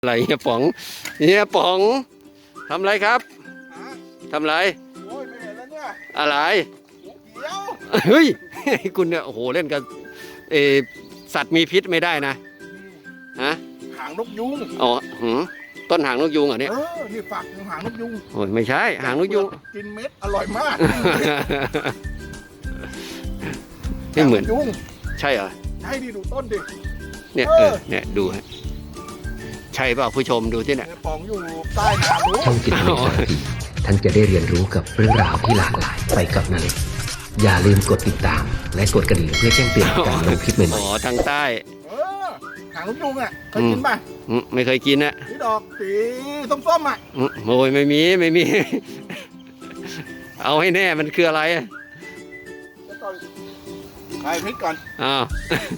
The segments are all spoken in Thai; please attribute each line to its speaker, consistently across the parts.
Speaker 1: อะไรเฮียป๋องทำอะไรครับทำอะไร
Speaker 2: โอ้ยไม่เห็นแล้วเนี่ย
Speaker 1: อะไร
Speaker 2: เดี๋ยว
Speaker 1: เฮ้ยคุณเนี่ยโอ้โหเล่นกับสัตว์มีพิษไม่ได้นะฮะ
Speaker 2: หางนกยุง
Speaker 1: อ๋อต้นหางนกยุงเหรอเนี่ย
Speaker 2: นี่ฝักหางนกยุง
Speaker 1: โอ้ยไม่ใช่หางนกยุง
Speaker 2: กินเม็ดอร่อยมาก
Speaker 1: ไม่เหมือน
Speaker 2: ยุง
Speaker 1: ใช่เหรอ
Speaker 2: ใช่ดิดูต้นดิ
Speaker 1: เนี่ยเนี่ยดูฮะใช่เปล่าผู้ชมดูที่เนี่ย
Speaker 2: ปองอยู่ใต้น้ำรู้
Speaker 3: ช่องจิตวิทยาทีท่านจะได้เรียนรู้กับเรื่องราวที่หลากหลายไปกับนาเล็กอย่าลืมกดติดตามและกดกระดิ่งเพื่อแจ้งเตือนการลงคลิปใหม่ๆ
Speaker 1: อ๋อทางใต้
Speaker 2: หางนกยุงอ่ะเคยกินป่ะ
Speaker 1: ไม่เคยกินนะ
Speaker 2: นี่ดอกสีส้มๆอ่ะ
Speaker 1: โอ้ยไม่มีเอาให้แน่มันคืออะไร
Speaker 2: ใครพริกก่อน
Speaker 1: อ้าว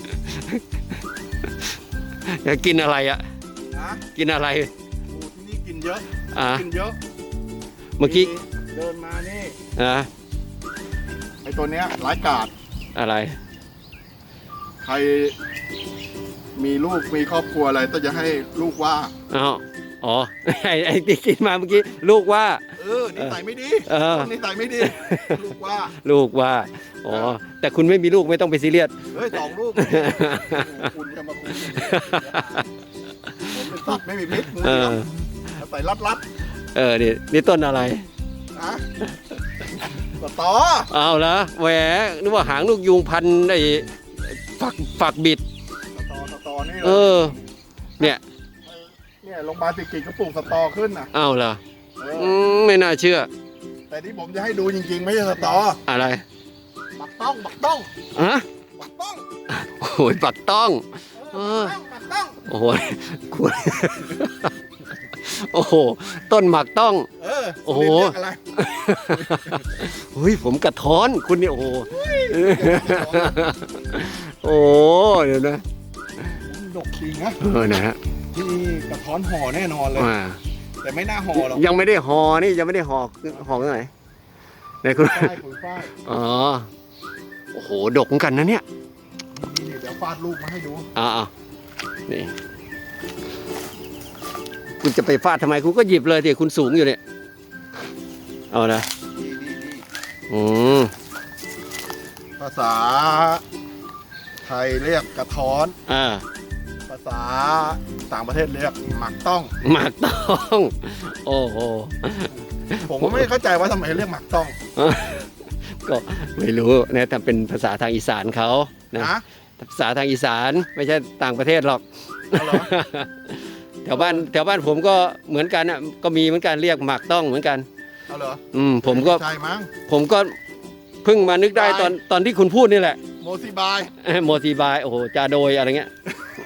Speaker 1: จะกินอะไรอ่ะกินอะไร
Speaker 2: ที่นี่กินเยอะกินเยอะ
Speaker 1: เมื่อกี้
Speaker 2: เดินมานี่ไอตัวเนี้ยร้ายกาจ
Speaker 1: อะไร
Speaker 2: ใครมีลูกมีครอบครัวอะไรต้องจะให้ลูกว่า
Speaker 1: อ๋อไอ้ที่กินมาเมื่อกี้ลูกว่า
Speaker 2: นิสัยไม่ดีนิสัยไม่ดีลูก
Speaker 1: ว่าอ๋อแต่คุณไม่มีลูกไม่ต้องไปซีเรียส
Speaker 2: 2 ลูกคุณจะมาคุยผมเป็นสัตว์ไม่มีพิษใส่รัด
Speaker 1: นี่ต้นอะไร
Speaker 2: สตอ
Speaker 1: เอาละแหวนึกว่าหางนกยุงพันไอ้ฝักบิด
Speaker 2: สตอนี่
Speaker 1: เนี่ย
Speaker 2: โรงพยาบาลติกิจก็ปลูกสตอขึ้นนะ
Speaker 1: เอาล่ะไม่น่าเชื่อ
Speaker 2: แต่ที่ผมจะให้ดูจริงๆไม่ใช่สตอ
Speaker 1: อะไร
Speaker 2: ปักต้องปักต้อง
Speaker 1: โอ้ยปักต้องโอ้โหคุณโอ้โหต้นหมักต้องโอ้โหเฮ้ยผมกระท้อนคุณนี่โอ้โหโอ้เดี๋ยวนะ
Speaker 2: ดกจริงนะ
Speaker 1: นะฮะ
Speaker 2: ที่กระท้อนห่อแน่นอนเลยแต่ไม่น่าห่อหรอก
Speaker 1: ยังไม่ได้ห่อนี่ยังไม่ได้ห่อที่ไหนไหนคุณ
Speaker 2: ฝ้าย
Speaker 1: อ๋อโอ้โหดกเหมือนกันนะเนี่ย
Speaker 2: นี่เดี๋ยวฟาดลูกมาให้ดู
Speaker 1: นี่คุณจะไปฟาดทำไมคุณก็หยิบเลยดิคุณสูงอยู่เนี่ยเอานะ
Speaker 2: ภาษาไทยเรียกกระท้อนภาษาต่างประเทศเรียกหมักต้อง
Speaker 1: โอ้โห
Speaker 2: ผมก็ไม่เข้าใจว่าทำไมเรียกหมักต้อง
Speaker 1: ก็ไม่รู้นะแต่เป็นภาษาทางอีสานเขานะภาษาทางอีสานไม่ใช่ต่างประเทศหรอกแถวบ้านผมก็เหมือนกันอ่ะก็มีเหมือนกันเรียกหมักต้องเหมือนกัน
Speaker 2: เอาเหรอ
Speaker 1: ผมก็เพิ่งมานึกได้ตอนที่คุณพูดนี่แหละ
Speaker 2: โมซิบาย
Speaker 1: โอ้โหจาโดยอะไรเงี้ย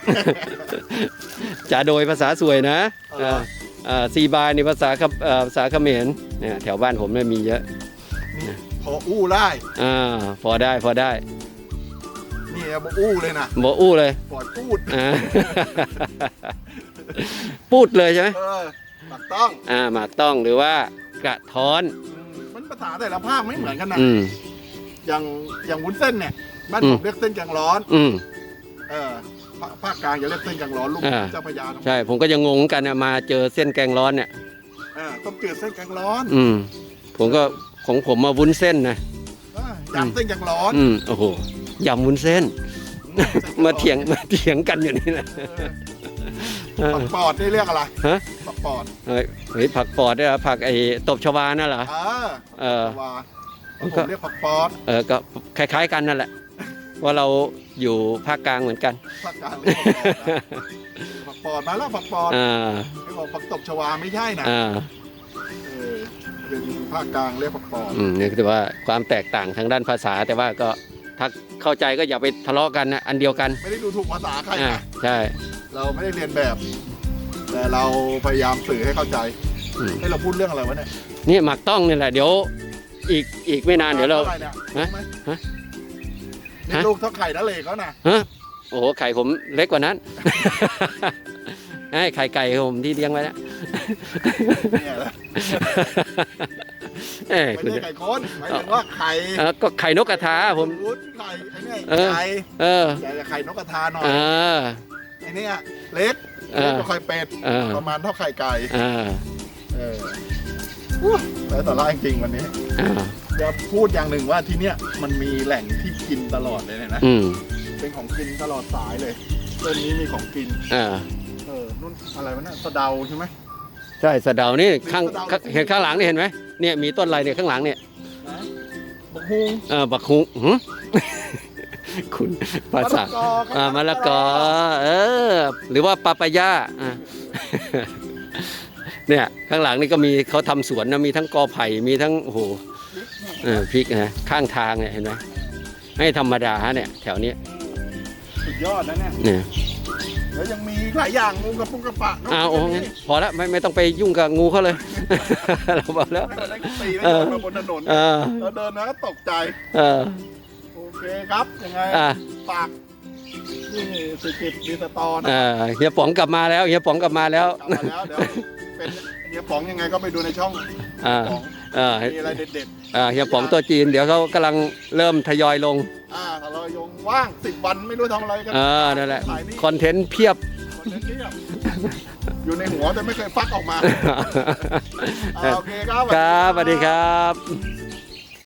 Speaker 1: จาโดยภาษาสวยนะซีบายในภาษาเขมรเนี่ยแถวบ้านผมเนี่ยมีเยอะ
Speaker 2: พออู้ได้
Speaker 1: พอได้
Speaker 2: นี่บ่อู้เลยนะ
Speaker 1: บ่อู้เลย
Speaker 2: ปอดพูด
Speaker 1: พูดเลยใช่ไหม
Speaker 2: หมักต้อง
Speaker 1: หมักต้องหรือว่ากระท้อน
Speaker 2: มันภาษาแต่ละภาคไม่เหมือนกันนะอย่างวุ้นเส้นเนี่ยบ้านผมเรียกเส้นแกงร้อนภาคกลางจะเรียกเส้นแกงร้อนลูกเจ้าพระยา
Speaker 1: ใช่ผมก็ยังงงกันนะมาเจอเส้นแกงร้อนเนี่ย
Speaker 2: ต้องเจอเส้นแกงร้อน
Speaker 1: ผมก็ของผมมาวุ้นเส้นนะ
Speaker 2: ยำเส้นแกงร้อน
Speaker 1: โอ้โหยำวุ้นเส้นมาเถียงกันอยู่นี่นะ
Speaker 2: ผักปอดนี่เรียกอะไรผักปอด
Speaker 1: ผักปอดเนี่ยผักไอ้ตบชวานั่นเหรอ
Speaker 2: ผมเรียกผักปอด
Speaker 1: ก็คล้ายๆกันนั่นแหละว่าเราอยู่ภาคกลางเหมือนกัน
Speaker 2: ภาคกลางผักปอดมาแล้วผักปอดไม่บอกผักตบชวาไม่ใช่นะเป็นภาคกลางเรียกผักปอด
Speaker 1: นี่คือว่าความแตกต่างทางด้านภาษาแต่ว่าก็ถ้าเข้าใจก็อย่าไปทะเลาะกันนะอันเดียวกัน
Speaker 2: ไม่ได้ดูถูกภาษาใครนะ
Speaker 1: ใช่
Speaker 2: เราไม่ได้เรียนแบบแต่เราพยายามสื่อให้เข้าใจให้เราพูดเรื่องอะไรวะเนี่ย
Speaker 1: นี่หมักต้องนี่แหละเดี๋ยวอีกไม่นานเดี๋ยวเรา
Speaker 2: นี่ลูกเท่าไข่ทะเลเขานะ
Speaker 1: โอ้โหไข่ผมเล็กกว่านั้นไข่ไก่ผมที่เลี้ยงไว้แล้ว
Speaker 2: ไม่ใช่ไก่ค้นหมายถึงว่าไข่
Speaker 1: ก็ไข่นกกระทาผม
Speaker 2: ไข่ไอ้นี่ไข่ไข่นกกระทาหน่อยไอ้นี่เล็ก
Speaker 1: เออ
Speaker 2: เล็กกว่าไข่เป็ด
Speaker 1: เออ
Speaker 2: ประมาณเท่าไข่ไก่
Speaker 1: อ่า
Speaker 2: แล้วสาระจริงๆวันนี้
Speaker 1: อ่า
Speaker 2: จะพูดอย่างหนึ่งว่าที่เนี้ยมันมีแหล่งที่กินตลอดเลยนะ
Speaker 1: อืม
Speaker 2: เป็นของกินตลอดสายเลยเส้นนี้มีของกิน
Speaker 1: อ่า
Speaker 2: นู่นอะไรวะเนี่ยสะเดาใช่ไหม
Speaker 1: ใช่สะเดานี่ข้าง
Speaker 2: สะเดา
Speaker 1: เห็นข้างหลังนี่เห็นไหมเนี่ยมีต้นอะไรเนี่ยข้างหลังเนี่ย
Speaker 2: นะบักฮุง
Speaker 1: บักฮุงหืม คุณภาษาม
Speaker 2: ะละกอครับ
Speaker 1: มะละกอหรือว่าปาปายาเนี่ยข้างหลังนี่ก็มีเขาทำสวนนะมีทั้งกอไผ่มีทั้งโอ้โหพริกนะข้างทางเนี่ยเห็นไหมไม่ธรรมดาฮะเนี่ยแถวนี้
Speaker 2: สุดยอดนะเนี่ย
Speaker 1: เนี่ย
Speaker 2: แล้วยังมีหลายอย่างงูกระปุกกระปะ
Speaker 1: โอ้งั้นพอแล้วไม่ต้องไปยุ่งกับงูเขาเลย เราบอกแล้ว
Speaker 2: ไม่ได้ตีแล้วเดินมาบนถนน เราเดินนะก็ตกใจ โอเคครับ ยังไงฝากนี่สุกิจดีสตอนะ
Speaker 1: เฮียป๋องกลับมาแล้วเฮียป๋องกลับมาแล้ว
Speaker 2: กลับมาแล้วเดี๋ยวเป็นเฮียป๋องยังไงก็ไปดูในช่อง
Speaker 1: อ่า
Speaker 2: ของ มีอะไรเด็ด
Speaker 1: เฮียป๋องตัวจีนเดี๋ยวเขากำลังเริ่มทยอยลง
Speaker 2: ถ้าเรายงว่าง10 วันไม่รู้ทำอะไรกัน
Speaker 1: นั่นแหละ
Speaker 2: ถ่ายนี่
Speaker 1: คอนเทนต์เพียบ
Speaker 2: คอนเทนต์เพียบอยู่ในหัวแต่ไม่เคยฟักออกมาโอเคครับ
Speaker 1: ครับสวัสดีครับ